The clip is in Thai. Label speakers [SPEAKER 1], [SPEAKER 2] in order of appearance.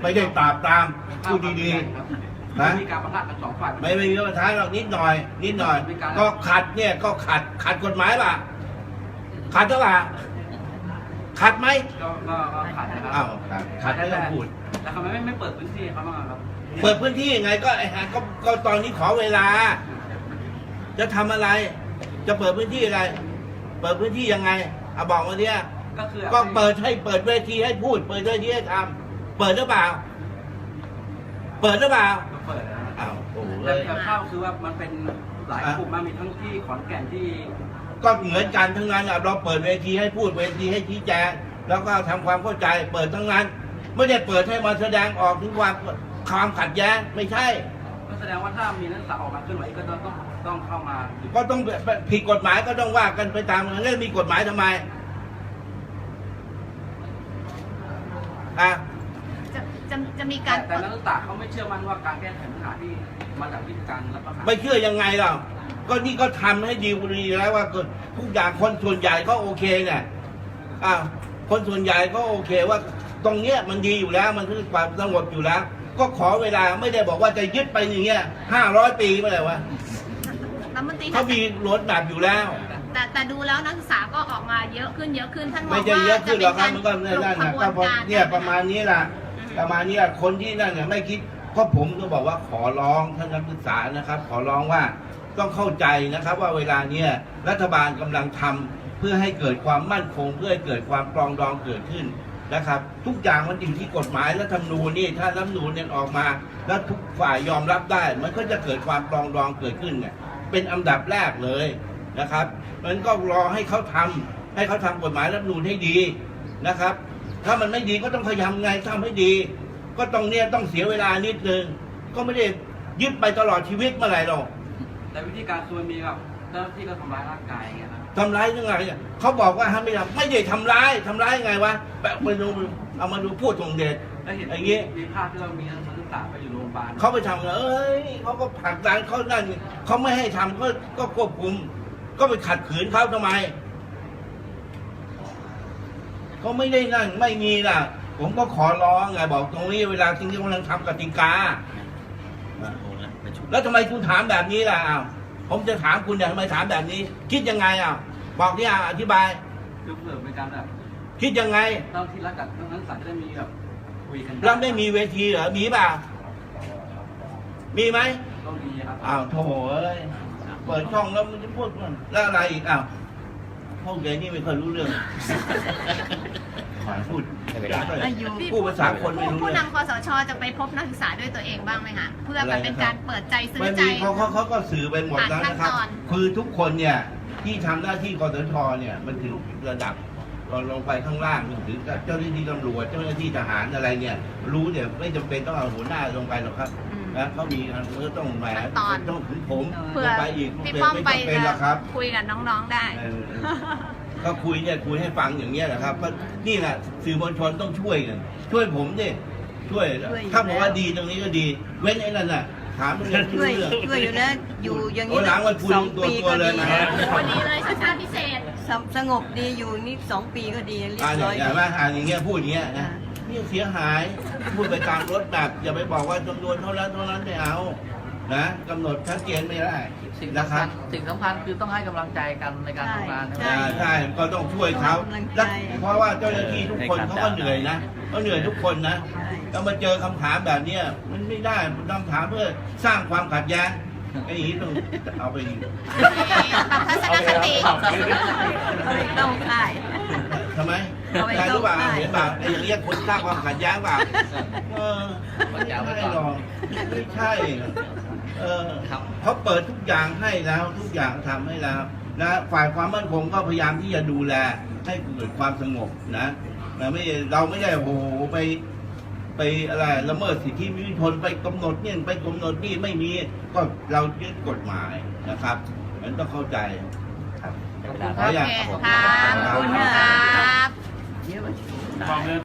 [SPEAKER 1] ไม่ได้ปราบตามพูดดีๆนะ
[SPEAKER 2] มีการประทะกันสองฝ่าย
[SPEAKER 1] ไม่มีปัญหาหรอกนิดหน่อยก็ขัดเนี่ยก็ขัดกฎหมายป่ะขัดหรือเปล่าขัดไหม
[SPEAKER 2] ก็ขัดนะครับ
[SPEAKER 1] อ้าวขัดไม่ต้องพูด
[SPEAKER 2] แล้วทำไมไม่เปิดพื้นที่เขาบ้างครับ
[SPEAKER 1] เปิดพื้นที่ยังไงก็ตอนนี้ขอเวลาจะทำอะไรจะเปิดพื้นที่อะไรเปิดพื้นที่ยังไงเอาบอกมาเนี่ยก็เปิดเวทีให้พูดเปิดเวทีให้ทำเปิดหรือเปล่าเปิดหรือเปล่า
[SPEAKER 2] เปิดนะ
[SPEAKER 1] อ้าวโอ้
[SPEAKER 2] แต่ข้าวคือว่ามันเป็นหลายกลุ่มมามีทั้งที่ขอนแก่นที่
[SPEAKER 1] ก็เหมือนกันทั้งนั้นเราเปิดเวทีให้พูดเวทีให้ชี้แจงแล้วก็ทำความเข้าใจเปิดทั้งนั้นไม่ได้เปิดให้มาแสดงออกถึงความขัดแย้งไม่ใช่
[SPEAKER 2] ก็แสดงว่าถ้ามีนักศึกษาออกมาเคลื่อนไหวก็ต้องเข้ามา
[SPEAKER 1] ก็ต้องผิดกฎหมายก็ต้องว่ากันไปตามเรื่องมีกฎหมายทำไม
[SPEAKER 3] จะมีการ
[SPEAKER 2] แต่นักศึกษาเขาไม่เชื่อมั่นว่าการแก้ไขปัญหาที่มาจากวิธีการรัฐประหาร
[SPEAKER 1] ไม่เชื่อยังไงล่ะก็นี่ก็ทำให้ดีแล้วว่าทุกอย่างคนส่วนใหญ่ก็โอเคเนี่ยคนส่วนใหญ่ก็โอเคว่าตรงเนี้ยมันดีอยู่แล้วมันคือความสงบอยู่แล้วก็ขอเวลาไม่ได้บอกว่าจะยึดไปอย่างเงี้ย500 ปีเมื่อไหร่วะเขามีรถแบบอยู่แล้ว
[SPEAKER 3] แต่ดูแล้วนักศึกษาก็ออกมาเยอะขึ้นท่านมองว่า
[SPEAKER 1] ไม่จะเยอะขึ้นหรอกครับมันก็นั่นนะก็เนี่ยประมาณนี้แหละคนที่นั่นเนี่ยไม่คิดเพราะผมก็บอกว่าขอร้องท่านนักศึกษานะครับขอร้องว่าต้องเข้าใจนะครับว่าเวลาเนี้ยรัฐบาลกำลังทำเพื่อให้เกิดความมั่นคงเพื่อให้เกิดความปรองดองเกิดขึ้นนะครับทุกอย่างมันอยู่ที่กฎหมายและรัฐธรรมนูญนี่ถ้ารัฐธรรมนูญเนี่ยออกมาแล้วทุกฝ่ายยอมรับได้มันก็จะเกิดความปรองดองเกิดขึ้นเนี่ยเป็นอันดับแรกเลยนะครับมันก็รอให้เขาทำกฎหมายรัฐธรรมนูญให้ดีนะครับถ้ามันไม่ดีก็ต้องพยายามไงทำให้ดีก็ต้องเสียเวลานิดนึงก็ไม่ได้ยึดไปตลอดชีวิตเมื่อไหร่หรอก
[SPEAKER 2] แต่วิธีการคือมันมีแบบเจ้าหน้าที่ก็ทำร้ายร่างกายอย่างเงี้ยครับ
[SPEAKER 1] ทำร้ายยังไงเขาบอกว่าไม่ได้ทำร้ายยังไงวะแบบไปดูเอามาดูพูดตรงเด็ด
[SPEAKER 2] อย่างเงี้ยมีภาพที่เรามีนักศึกษาไปอยู่โรงพยาบาล
[SPEAKER 1] เขาไปทำเขาก็ผลักดันเขานั่นเขาไม่ให้ทำก็ควบคุมก็ไปขัดขืนเขาทำไมเขาไม่ได้นั่นไม่มีล่ะผมก็ขอร้องไงบอกตรงนี้เวลาจริงๆกำลังทำกติกาแล้วทำไมคุณถามแบบนี้ล่ะผมจะถามคุณทำไมถามแบบนี้คิดยังไงบอกที่อธิบาย
[SPEAKER 2] ยกเลิกเป็นการแบบ
[SPEAKER 1] คิดยังไง
[SPEAKER 2] ต้องที่รัฐกับนักศึกษาจะได้มีแบบคุยกัน
[SPEAKER 1] แล้วไม่มีเวทีเหรอมีเปล่ามีไหม
[SPEAKER 2] ต้องมีครับ
[SPEAKER 1] โถ่เปิดช่องแล้วมันจะพูดแล้วอะไรอีกพวกเด็กนี่ไม่เคยรู้เรื่องพูดภาษาคนไม่รู้
[SPEAKER 3] ผู้นำคสช.จะไปพบนักศึกษาด้วยตัวเองบ้างไหมคะเพื่อแบบเป็นการเปิดใจซื้อใจ
[SPEAKER 1] เขาก็สื่อไปหมดแล้วนะครับคือทุกคนเนี่ยที่ทำหน้าที่คสช.เนี่ยมันถึงระดับลงไปข้างล่างถึงเจ้าหน้าที่ตำรวจเจ้าหน้าที่ทหารอะไรเนี่ยรู้เนี่ยไม่จำเป็นต้องเอาหัวหน้าลงไปหรอกครับนะเขามีก็ต้องแหมต้องถึงผมลงไปอีก
[SPEAKER 3] พี่ป้อมไปคุยกับน้องๆได้
[SPEAKER 1] ก็คุยให้ฟังอย่างเงี้ยนะครับเพราะนี่แหละสื่อมวลชนต้องช่วยกันช่วยผมดิช่วยถ้าบอกว่าดีตรงนี้ก็ดีเว้นไอ้นั่นน่ะถามเรื่อง
[SPEAKER 4] ช่วยอยู่นะอยู่อย่างนี้
[SPEAKER 1] 2 ปีก็ดี
[SPEAKER 3] วันนี้เลยชาติพิเศษ
[SPEAKER 4] สงบดีอยู่นี่2 ปีก็ดีเรียบร้อย
[SPEAKER 1] อย่างว่าอย่างเงี้ยพูดอย่างเงี้ยนะนี่เสียหายพูดไปตามรถแบบอย่าไปบอกว่าจำนวนเท่านั้นไม่เอานะกำหนดชัดเจนไม่ได้
[SPEAKER 2] สิ่งสำคัญคือต้องให้กำลังใจกันในการทำงาน
[SPEAKER 1] ใช่ก็ต้องช่วยเขาเพราะว่าเจ้าหน้าที่ทุกคนเขาก็เหนื่อยนะเขาเหนื่อยทุกคนนะแล้วมาเจอคำถามแบบนี้มันไม่ได้คำถามเพื่อสร้างความขัดแย้งไอ้อย่างนี้ต้องเอาไป
[SPEAKER 4] ต้องได้
[SPEAKER 1] ทำไมใช่หรือเปล่าเห็นเปล่าไอ้อย่างนี้คนสร้างความขัดแย้งเปล่าไม่ใช่หรอกไม่ใช่เขาเปิดทุกอย่างให้แล้วทุกอย่างทำให้แล้วนะฝ่ายความมั่นคงก็พยายามที่จะดูแลให้เกิดความสงบนะเราไม่ได้โหไปอะไรละเมิดสิทธิมนุษยชนไปกำหนดเนี่ยไปกำหนดนี่ไม่มีก็เรายึดกฎหมายนะครับมันต้องเข้าใจครับ
[SPEAKER 3] ขอบคุณครับ